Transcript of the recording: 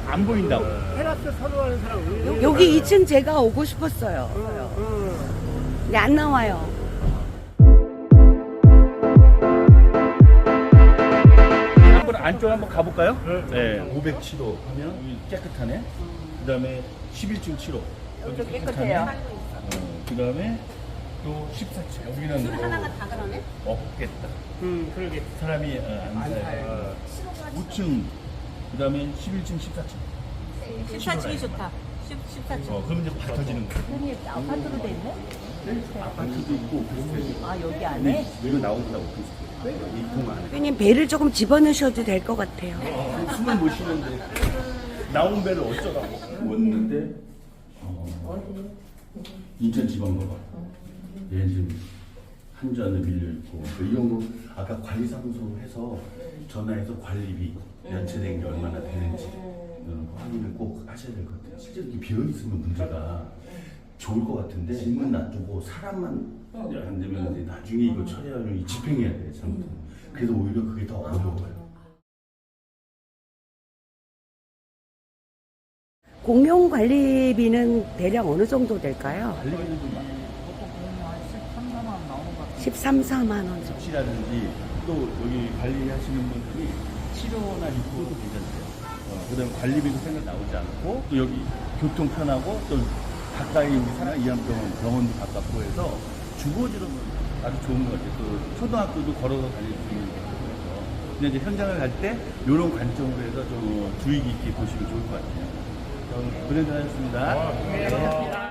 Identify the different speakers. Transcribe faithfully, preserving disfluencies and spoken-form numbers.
Speaker 1: 안 보인다고.
Speaker 2: 테라스 선호하는 사람 왜?
Speaker 3: 여기 이 층 제가 오고 싶었어요. 근데 안 나와요.
Speaker 1: 한번 안쪽 한번 가볼까요? 네. 오백칠 호 하면 여기 깨끗하네. 그 다음에 십일 층 칠 호.
Speaker 3: 여기도 깨끗해요.
Speaker 1: 어, 그 다음에 또 십사 층. 여기는 뭐
Speaker 4: 하나가 다 그러네?
Speaker 1: 없겠다.
Speaker 2: 음, 그러게.
Speaker 1: 사람이 어, 안 살아요. 오 층. 그 다음에 십일 층, 십사 층.
Speaker 4: 십사 층이 좋다. 십사 층.
Speaker 1: 어, 그럼 이제 받아지는 거예요.
Speaker 3: 흔히 아파트로 돼 있네?
Speaker 1: 아파트도 있고 비슷해요.
Speaker 3: 아, 여기 안에?
Speaker 1: 이거 나온다고 비슷해요. 이통 안에.
Speaker 3: 형님 배를 조금 집어넣으셔도 될 것 같아요.
Speaker 1: 어, 숨을 못 쉬는데 나온 배를 어쩌라고. 왔는데 어, 인천지방법원. 얘 지금 한전에 밀려 있고 이런 거 아까 관리사무소 해서 전화해서 관리비 연체된 게 얼마나 되는지 어, 확인을 꼭 하셔야 될 것 같아요. 실제로 이렇게 비어 있으면 문제가 좋을 것 같은데 짐은 놔두고 사람만 안 되면 이제 나중에 이거 처리하려면 집행해야 돼 잘못하면. 그래서 오히려 그게 더 어려워요.
Speaker 3: 공용 관리비는 대략 어느 정도 될까요?
Speaker 1: 관리비는 좀 많아요.
Speaker 3: 십삼, 사만 원 정도.
Speaker 1: 혹시라든지 또 여기 관리하시는 분들이 치료나 입구도 괜찮대요. 어, 그 다음에 관리비도 생각 나오지 않고 또 여기 교통 편하고 또 가까이 우리 사람 이암병원 병원도 가깝고 해서 주거지로는 아주 좋은 것 같아요. 또 초등학교도 걸어서 다닐 수 있는 거라서. 근데 이제 현장을 갈 때 이런 관점으로 해서 좀 주의 깊게 보시면 좋을 것 같아요. 그럼 고생하셨습니다.